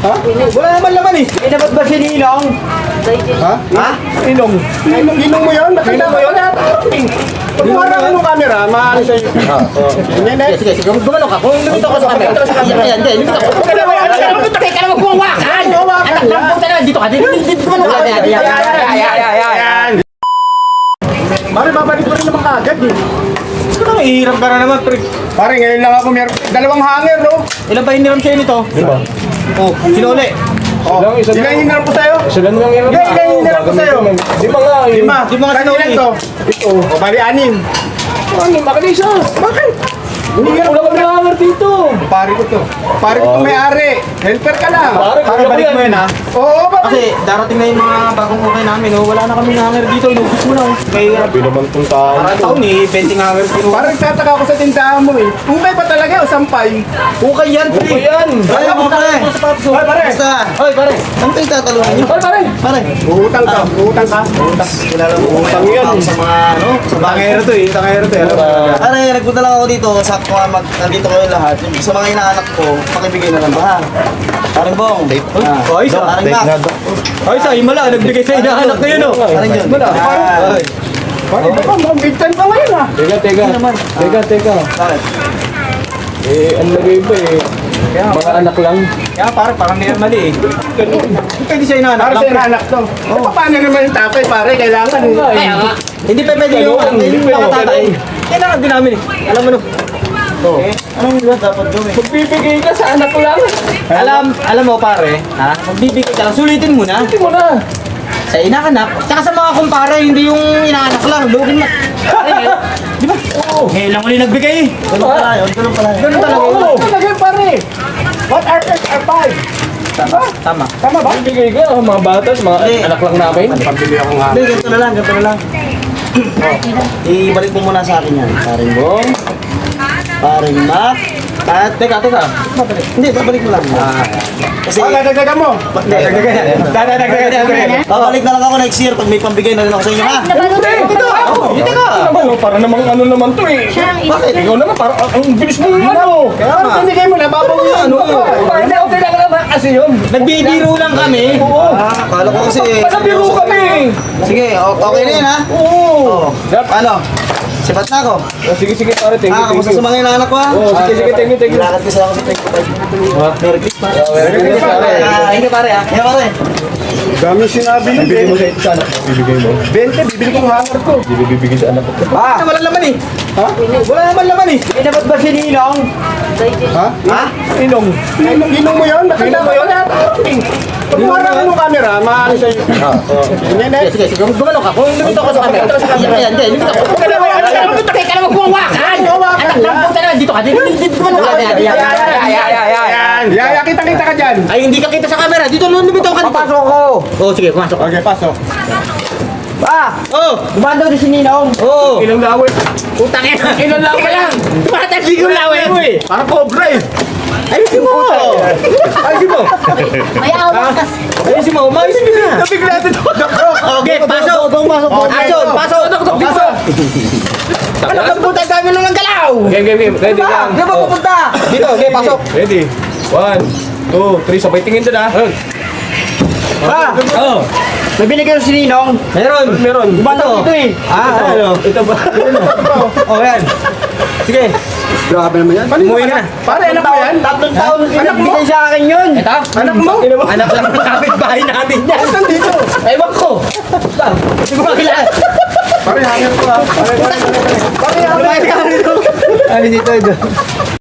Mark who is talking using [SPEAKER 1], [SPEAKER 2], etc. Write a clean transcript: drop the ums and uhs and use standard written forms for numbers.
[SPEAKER 1] Ha? Wala naman laman eh.
[SPEAKER 2] Dapat ba si Ninong?
[SPEAKER 1] Ha?
[SPEAKER 2] Ha?
[SPEAKER 1] Inong. Inong mo yun? Nakita mo yun? Pagkuha ka ng camera, maano sa'yo.
[SPEAKER 2] Sige, gumano ka. Kung lumito ko sa camera. Yan, hindi. Lumito ko. Teka na magkuhawakan. Anak ng puta na. Dito ka. Dito gumano ka. Yan.
[SPEAKER 1] Mare, babalik ko rin naman kaagad eh.
[SPEAKER 2] Ano, ihirap ka na naman, pre.
[SPEAKER 1] Pare, ngayon lang ako meron. Dalawang hanger, no?
[SPEAKER 2] Ilan ba hiniram sa'yo nito?
[SPEAKER 3] Diba?
[SPEAKER 2] Oh, sinuli.
[SPEAKER 1] Oh,
[SPEAKER 3] Isa
[SPEAKER 1] ilan hiniram ko sa'yo?
[SPEAKER 3] Sila nang yan.
[SPEAKER 1] Ilan hiniram ko sa'yo?
[SPEAKER 3] Di ba nga eh?
[SPEAKER 1] Lima.
[SPEAKER 2] Di ba nga
[SPEAKER 1] Kanina
[SPEAKER 2] sinuli?
[SPEAKER 1] to? Ito. O, bali, anim.
[SPEAKER 3] Ano, makalisa.
[SPEAKER 1] Bakit?
[SPEAKER 3] Wala kami hanger dito.
[SPEAKER 1] Pare ko to. Pare ko to may-ari. Helper ka lang.
[SPEAKER 2] Para balik mo yan, ha?
[SPEAKER 1] Oo, bakit?
[SPEAKER 2] Kasi darating na yung mga bagong okay namin, oh. Wala na kami hanger dito. Inubos mo na, oh. Kaya,
[SPEAKER 3] Sabi naman itong tao.
[SPEAKER 2] parang taon eh. 20 hanger dito.
[SPEAKER 1] Parang nagtataka ako sa tindahan mo eh. Ukay pa talaga o sampay?
[SPEAKER 2] Okay yan, pre.
[SPEAKER 3] Okay yan.
[SPEAKER 2] Ay, mo pare.
[SPEAKER 1] Hoy, pare.
[SPEAKER 2] Basta. Hoy, pare. Ano kayo tatalungan niyo?
[SPEAKER 3] Ay, pare.
[SPEAKER 2] Pare.
[SPEAKER 1] Utang ka. Utang ka.
[SPEAKER 2] Kilala mo
[SPEAKER 1] Utang yan.
[SPEAKER 2] sa mga, ano? Sa
[SPEAKER 1] Tangero to eh. Tangero to eh. Alam mo talaga.
[SPEAKER 2] Pare, nagpunta lang ako dito. Sakto nga nandito kayo lahat. Sa mga inaanak ko, pakibigay na lang ba, ha? Paring Bong.
[SPEAKER 1] Oy, isa.
[SPEAKER 2] Paring Mac.
[SPEAKER 1] Ay, sa himala. Nagbigay sa inaanak na yun oh.
[SPEAKER 2] Paring John.
[SPEAKER 1] Ay. Pare, baka mukhang big time pa ngayon ah.
[SPEAKER 3] Teka.
[SPEAKER 2] Bakit?
[SPEAKER 3] Eh, ang lagay ba eh? Mga anak lang.
[SPEAKER 1] Kaya parang hindi mali eh. Pwede sa inaanak. Para sa inaanak to. Paano naman yung tatay pare? Kailangan eh.
[SPEAKER 2] Kaya nga. Hindi pa pwede yung nakatatay. Kailangan din namin eh. Alam mo no. Eh, anong ba dapat gawin?
[SPEAKER 3] Magbibigay ka sa anak lang.
[SPEAKER 2] Alam mo pare, ha? Magbibigay ka lang. Sulitin mo na.
[SPEAKER 3] Hindi mo na.
[SPEAKER 2] Sa inaanak, tsaka sa mga kumpare, hindi yung inaanak lang. Lugin mo. Di ba? Oo. Ngayon lang ulit nagbigay eh. Ganun pala yun. Ganun pala yun. Ganun talaga yun.
[SPEAKER 1] Oo, talaga yun, pare. What are five?
[SPEAKER 2] Tama.
[SPEAKER 1] Tama ba?
[SPEAKER 3] Magbibigay ka, mga batas, mga
[SPEAKER 2] Hindi.
[SPEAKER 3] anak lang namin.
[SPEAKER 1] Pambili ako nga.
[SPEAKER 2] Hindi, ganito na lang. Ibalik mo muna sa akin yan. Paring Bong, Paring Mac, at teka. Hindi, babalik mo lang. Kasi,
[SPEAKER 1] Dadagdagan mo. Dadagdagan.
[SPEAKER 2] babalik na lang ako next year pag may pambigay na rin ako sa inyo, ha?
[SPEAKER 3] Dito ka. Para namang ano naman to eh.
[SPEAKER 2] Bakit?
[SPEAKER 3] Ikaw naman, parang ang bilis mo ano.
[SPEAKER 1] Parang binigay mo na, babawi yan.
[SPEAKER 3] Hindi, okay lang naman kasi yun.
[SPEAKER 2] Nagbibiro lang kami. Kala ko kasi...
[SPEAKER 3] Pasabiro kami.
[SPEAKER 2] Sige, okay na yun, ha?
[SPEAKER 3] Oo.
[SPEAKER 2] Ano? Sipat na ako.
[SPEAKER 3] Sige, pare, thank you.
[SPEAKER 2] Kamusta sa mga inaanak ko, ha?
[SPEAKER 3] Oo, sige, thank you.
[SPEAKER 2] Lakad kasi ako sa 25. Merry Christmas.
[SPEAKER 3] Merry Christmas, pare.
[SPEAKER 2] Thank you, pare, ha? Yeah, pare.
[SPEAKER 1] Dami sinabi yun.
[SPEAKER 3] Bibigay mo sa anak. Bibigay mo.
[SPEAKER 1] 20, bibili ko ng hanger ko.
[SPEAKER 3] Hindi bibigay sa anak ko.
[SPEAKER 2] Wala naman eh.
[SPEAKER 1] Ha? Wala naman laman eh.
[SPEAKER 2] Dapat ba si Ninong?
[SPEAKER 1] Ha?
[SPEAKER 2] Ha?
[SPEAKER 1] Inong. Inong mo yun? Nakita mo yun? Pagkuha ka ng camera, maano sa'yo.
[SPEAKER 2] Sige. Gumano ka. Kung lumito ko sa camera. Yan, lumito ko. Teka na magkuhawakan. Anak ng puta na. Dito ka. Dito gumano ka.
[SPEAKER 1] Yan. Yaya, kita ka dyan.
[SPEAKER 2] Ay, hindi ka kita sa camera. Dito lumito ka. Papasok ko. Oh, sige. Pumasok.
[SPEAKER 1] Okay, pasok.
[SPEAKER 2] Dumaan daw din si Ninong. Oo.
[SPEAKER 1] Ilang lawin.
[SPEAKER 2] Utang yan. Ilan lang ka lang. Tumatagli yung lawin.
[SPEAKER 1] Parang cobra eh.
[SPEAKER 2] Ayusin mo.
[SPEAKER 1] Ayusin mo.
[SPEAKER 4] May awak kasi.
[SPEAKER 2] Ayusin mo. Umayos mo na.
[SPEAKER 1] Nabigla ito.
[SPEAKER 2] Okay, pasok. Action. Pasok. Pasok. Anak ng puta, dami lang ng galaw.
[SPEAKER 3] Game. Ready lang.
[SPEAKER 2] Di ba pupunta? Dito, okay, pasok.
[SPEAKER 3] Ready. 1, 2, 3. Sabay tingin doon ah.
[SPEAKER 2] Oh. May binigay si Ninong. Meron. Bato. Ito eh.
[SPEAKER 3] Ito ba?
[SPEAKER 2] Oh, yan. Sige.
[SPEAKER 1] Grabe naman yan.
[SPEAKER 2] Umuwi ka na.
[SPEAKER 1] Pare, anak mo yan?
[SPEAKER 2] Tatlong taon
[SPEAKER 1] Anak mo?
[SPEAKER 2] pinabigay sa akin yun. Ito?
[SPEAKER 1] Anak mo?
[SPEAKER 2] Anak lang ng kapitbahay natin yan.
[SPEAKER 1] Saan dito?
[SPEAKER 2] Ewan ko. Hindi ko makilala.
[SPEAKER 1] Pare, hanger ko ah. Pare,
[SPEAKER 2] Lumayas ka dito. Ano dito?